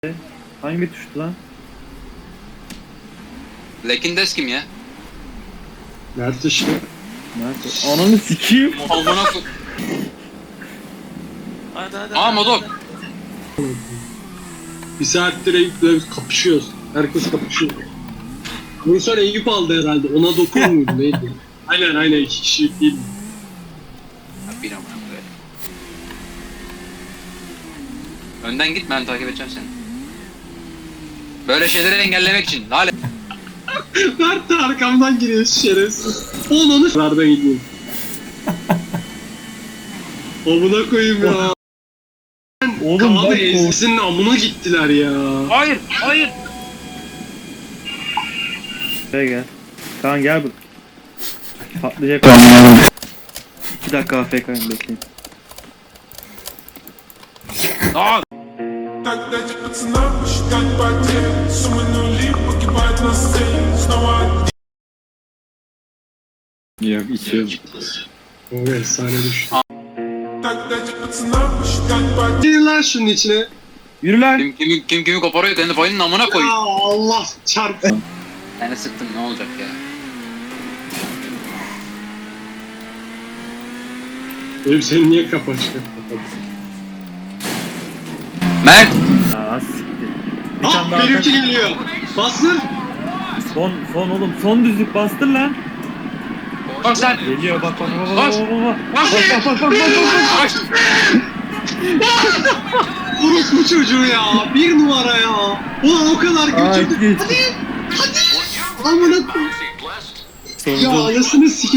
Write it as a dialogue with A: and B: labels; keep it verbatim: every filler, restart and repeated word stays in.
A: Hangi tuştu lan?
B: Lekindes kim ya?
C: Mert işte.
A: Nerede? Ananı sikeyim.
B: Amına koy.
D: Hadi hadi.
B: Aa Modok.
C: Bir saattir Eyüp'le kapışıyoruz. Herkes kapışıyor. Bunun sonra Eyüp aldı herhalde. Ona dokun muydu neydi? Aynen aynen iki kişilik değil.
B: Bir amına koy. Önden git, ben takip edeceğim seni. Böyle şeyleri engellemek için. Lale.
C: Mert de arkamdan giriyor şerefsiz. Onu nereden gidiyorsun? Amına koyayım ya.
A: Oğlum
C: Abi
A: bak o.
C: ezgisinin amına gittiler ya.
B: Hayır, hayır.
A: Buraya gel. Kaan gel bu. Patlayacak. İki dakika A F K'yım bekleyin.
B: Aa.
E: Так дайте пацанам посчитать потери. Суммы нули погибает на сцене. Снова
A: Yok içiyorum.
C: O efsane düştü.
E: Так dайте пацанам посчитать потери.
C: Gir lan şunun içine.
A: Yürü lan.
B: Kim kimi kim kimi koparıyor, kendi payının amına koy.
C: Ya Allah çarptı.
B: Yani sıktım, ne olacak ya?
C: Eyüp seni niye kapı açık?
B: Mert.
A: Aa siktir. Bir
C: Ah
A: tane daha
C: benimki
A: atak.
C: geliyor. Bastır.
A: Son son oğlum son düzlük bastır lan.
B: Bak sen.
A: Geliyor bak bak bak bak
B: Bas.
A: bak bak.
B: Bas.
A: Bak bak bak bak bak.
B: Bas.
C: Orospu çocuğu ya. Bir numara ya. Ulan o kadar
A: Aa,
C: götürdü.
A: gitti.
C: Hadi. Hadi. Amına koyayım. Ya
A: Sonunda.
C: anasını sikeyim.